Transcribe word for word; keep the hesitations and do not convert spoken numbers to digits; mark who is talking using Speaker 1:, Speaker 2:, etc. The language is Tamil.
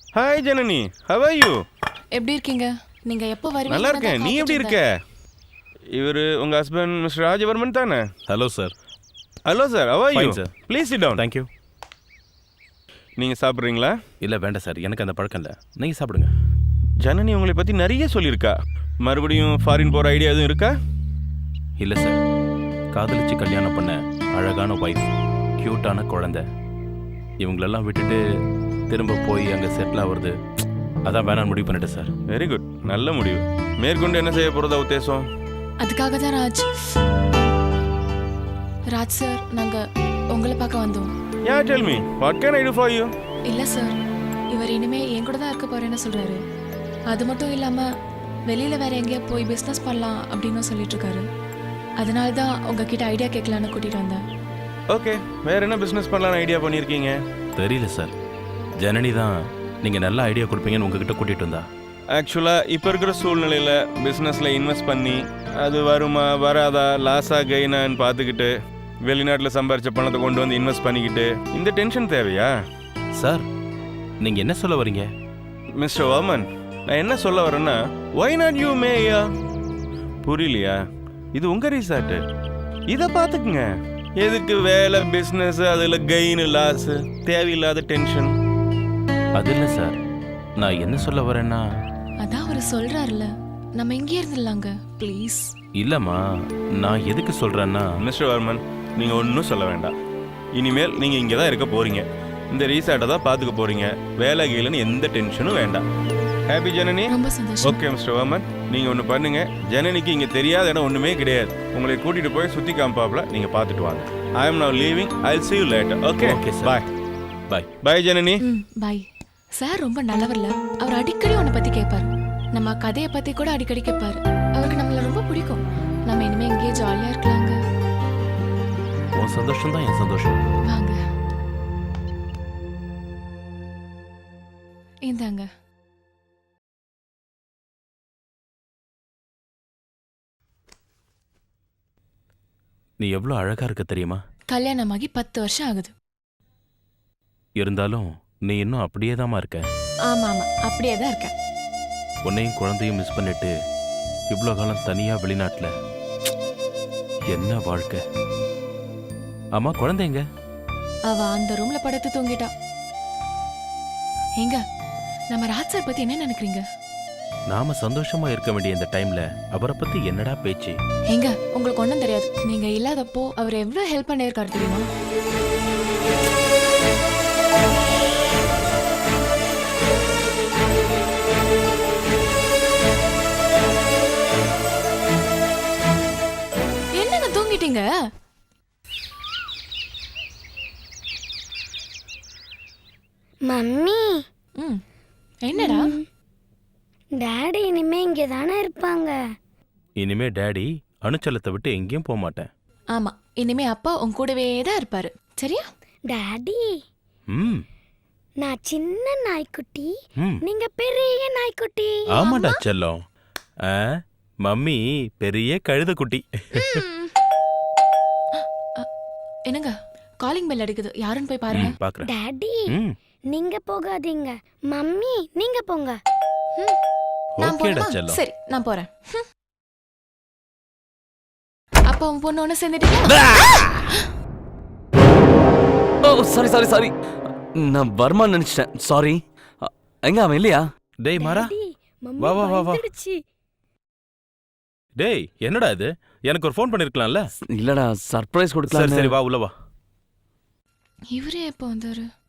Speaker 1: Hi Janani, how are you?
Speaker 2: எப்படி இருக்கீங்க? நீங்க எப்போ வருவீங்க?
Speaker 1: நல்லா இருக்கேன். நீ எப்படி இருக்க? இவர் உங்க ஹஸ்பண்ட் மிஸ்டர் ராஜவர்மன் தானே?
Speaker 3: Hello sir.
Speaker 1: Hello sir, how are you?
Speaker 3: Fine, sir.
Speaker 1: Please sit down.
Speaker 3: Thank you.
Speaker 1: நீங்க சாப்பிட்றீங்களா?
Speaker 3: இல்லை வேண்டாம் சார், எனக்கு அந்த பழக்கம் இல்லை. நீங்கள் சாப்பிடுங்க.
Speaker 1: ஜனனி உங்களை பற்றி நிறைய சொல்லியிருக்கா. மறுபடியும் ஃபாரின் போகிற ஐடியா எதுவும் இருக்கா?
Speaker 3: இல்லை சார், காதலிச்சு கல்யாணம் பண்ண அழகான ஒய்ஃப், க்யூட்டான குழந்தை, இவங்களெல்லாம் விட்டுட்டு திரும்ப போய் அங்கே செட்டில் ஆகுறது, அதான் வேணான்னு முடிவு பண்ணிட்டேன் சார்.
Speaker 1: வெரி குட், நல்ல முடிவு. மேற்கொண்டு என்ன செய்ய போகிறதா உத்தேசம்?
Speaker 2: அதுக்காக தான் ராஜ் ராஜ் சார் நாங்கள் உங்களை பார்க்க வந்தோம்.
Speaker 1: Yeah tell me, what can I do for you?
Speaker 2: இல்லை சார், இவர் இனிமே என் கூட தான் இருக்க போறேன்னு சொல்றாரு. அது மட்டும் இல்லாமல் வெளியில் வேற எங்கேயா போய் பிஸ்னஸ் பண்ணலாம் அப்படின்னு சொல்லிட்டு இருக்காரு. அதனால தான் உங்ககிட்ட ஐடியா கேட்கலான்னு கூட்டிகிட்டு வந்தேன்.
Speaker 1: ஓகே, வேற என்ன பிஸ்னஸ் பண்ணலான்னு ஐடியா பண்ணியிருக்கீங்க?
Speaker 3: தெரியல சார், ஜனனி தான் நீங்கள் நல்ல ஐடியா கொடுப்பீங்கன்னு உங்ககிட்ட கூட்டிகிட்டு வந்தா.
Speaker 1: ஆக்சுவலாக இப்போ இருக்கிற சூழ்நிலையில் பிஸ்னஸில் இன்வெஸ்ட் பண்ணி அது வருமா வராதா லாஸாக கெயினான்னு பார்த்துக்கிட்டு வெளிநாட்டில் சம்பாரித்த பணத்தை கொண்டு வந்து இன்வெஸ்ட் பண்ணிக்கிட்டு இந்த டென்ஷன் தேவையா?
Speaker 3: சார், நீங்கள் என்ன சொல்ல வரீங்க?
Speaker 1: மிஸ்டர் வர்மன், நான் என்ன சொல்ல வரேன்னா, ஒய் நாட் யூ மேயா? புரியலையா? இது உங்கள் ரிசார்ட்டு, இதை பார்த்துக்குங்க. எதுக்கு வேலை பிஸ்னஸ் அதில் கெயின் லாஸு தேவையில்லாத டென்ஷன்?
Speaker 3: அது இல்லை சார், நான் என்ன சொல்ல வரேன்னா,
Speaker 2: அதான் அவர் சொல்றாருல, நம்ம இங்கே இருந்துடலாங்க ப்ளீஸ்.
Speaker 3: இல்லைம்மா, நான் எதுக்கு சொல்கிறேன்னா,
Speaker 1: மிஸ்டர் வர்மன், நீங்கள் ஒன்றும் சொல்ல வேண்டாம். இனிமேல் நீங்கள் இங்கே தான் இருக்க போகிறீங்க, இந்த ரீசார்ட்டை தான் பார்த்துக்க போகிறீங்க. வேலை கீழன்னு எந்த டென்ஷனும் வேண்டாம். ஹாப்பி ஜனனி?
Speaker 2: ரொம்ப சந்தோஷம்.
Speaker 1: ஓகே மிஸ்டர் வர்மன், நீங்கள் ஒன்று பண்ணுங்கள். ஜனனிக்கு இங்கே தெரியாத இடம் ஒன்றுமே கிடையாது. உங்களை கூட்டிகிட்டு போய் சுற்றி காமிப்பாப்ல நீங்கள் பார்த்துட்டு வாங்க. I am now leaving. I will see you later. Okay
Speaker 3: Okay, sir.
Speaker 1: Bye.
Speaker 3: Bye.
Speaker 1: Bye Janani.
Speaker 2: ம் பாய். சார் ரொம்ப நல்லவர்ல, அவர் அடிக்கடி உன்னை பற்றி கேட்பாரு. நம்ம கதையை பற்றி கூட அடிக்கடி கேட்பாரு. அவருக்கு நம்மளை ரொம்ப பிடிக்கும். நம்ம இனிமே இங்கேயே ஜாலியாக இருக்கலாங்க.
Speaker 3: உன் சந்தோஷம் தான் என் சந்தோஷம்.
Speaker 2: வாங்க, இந்தாங்க.
Speaker 3: நீ எவ்வளோ அழகா இருக்க தெரியுமா?
Speaker 2: கல்யாணமாகி பத்து வருஷம் ஆகுது.
Speaker 3: இருந்தாலும் நீ இன்னும் அப்படியே தாமா இருக்க.
Speaker 2: ஆமா ஆமா, அப்படியே தான் இருக்கேன்.
Speaker 3: உன்னையும் குழந்தையும் மிஸ் பண்ணிட்டு இவ்வளோ காலம் தனியா வெளிநாட்டில் என்ன வாழ்க்கை. ஆமா, குழந்தைங்க?
Speaker 2: அவ அந்த ரூம்ல படுத்து தூங்கிட்டா. எங்க நம்ம ராஜ் சார் பத்தி என்ன நினைக்கிறீங்க?
Speaker 3: நாம சந்தோஷமா இருக்க வேண்டிய இந்த டைம்ல அவரை பத்தி என்னடா பேச்சு?
Speaker 2: எங்க உங்களுக்கு ஒன்றும் தெரியாது. நீங்க இல்லாதப்போ அவர் எவ்வளவு ஹெல்ப் பண்ணியிருக்காரு தெரியுமா? என்னங்க தூங்கிட்டீங்க?
Speaker 4: மம்மி,
Speaker 2: ம் என்னடா?
Speaker 4: டாடி இனிமே இங்கே தானே இருப்பாங்க.
Speaker 3: இனிமே டேடி அணுச்சலத்தை விட்டு எங்கேயும் போக மாட்டேன்.
Speaker 2: ஆமா, இனிமே அப்பா உன் கூடவே தான் இருப்பாரு. சரியா?
Speaker 4: டாடி,
Speaker 3: ம்
Speaker 4: நான் சின்ன நாய்க்குட்டி,
Speaker 3: ம்
Speaker 4: நீங்க பெரிய நாய்க்குட்டி.
Speaker 3: ஆமாடா செல்லம். ஆ, மம்மி பெரிய கழுத குட்டி.
Speaker 2: என்னங்க காலிங் பெல் அடிக்குது, யாருன்னு போய் பாருங்க.
Speaker 3: ம், பார்க்கறேன்.
Speaker 4: டாடி,
Speaker 3: ம்
Speaker 4: நீங்க போகாதீங்க. மம்மி, நீங்க போங்க.
Speaker 2: நான்
Speaker 3: ஓகேடா
Speaker 2: போறேன்.
Speaker 3: செல்லம்.
Speaker 2: சரி, நான் போறேன். அப்பா உன் பொண்ணு ஒண்ணு சேர்ந்துட்டீங்க.
Speaker 5: ஓ சாரி சாரி சாரி, நான் வர்மா நினைச்சிட்டேன். சாரி. எங்க அவன் இல்லையா?
Speaker 3: டேய் மாறா,
Speaker 4: டாடி, மம்மி
Speaker 3: வா, வா, வா, வா.
Speaker 4: வந்துடுச்சு.
Speaker 3: டேய் என்னடா இது? எனக்கு ஒரு ஃபோன் பண்ணிருக்கலாம்ல.
Speaker 5: இல்லடா, சர்ப்ரைஸ்
Speaker 3: சரி
Speaker 5: கொடுக்கலாம்.
Speaker 3: சரி, வா உள்ள வா.
Speaker 2: இவரே எப்போ வந்தாரு?